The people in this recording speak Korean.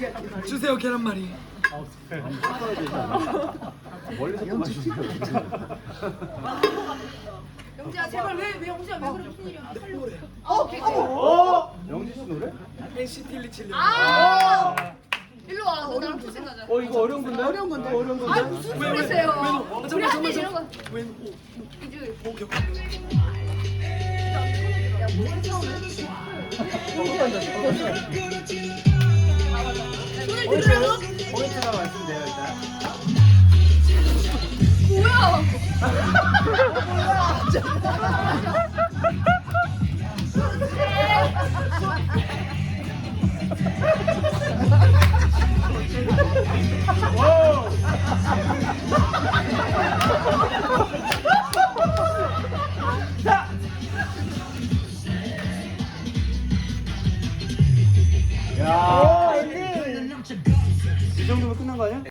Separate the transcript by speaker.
Speaker 1: 주세요 계란말이.
Speaker 2: 멀리서 또 마시세요.
Speaker 3: 영지야 제발 왜 영지야 왜 그래 무슨 일이야?
Speaker 1: 노래.
Speaker 2: 영지 씨 노래?
Speaker 1: NCT 127.
Speaker 3: 아 일로 와. 너 나랑 토생 가자.
Speaker 2: 이거 어려운 건데? 어려운 건데? 어려운 건데?
Speaker 3: 아 무슨 소리세요? 우리 한대 이런 거.
Speaker 1: 웬
Speaker 3: 이제
Speaker 1: 오 격.
Speaker 3: 야 무슨 처음에? 손을 들으라고?
Speaker 2: 포인트가 말씀돼요 일단.
Speaker 3: 뭐야?
Speaker 2: 야. 이 정도면 끝난 거 아니야?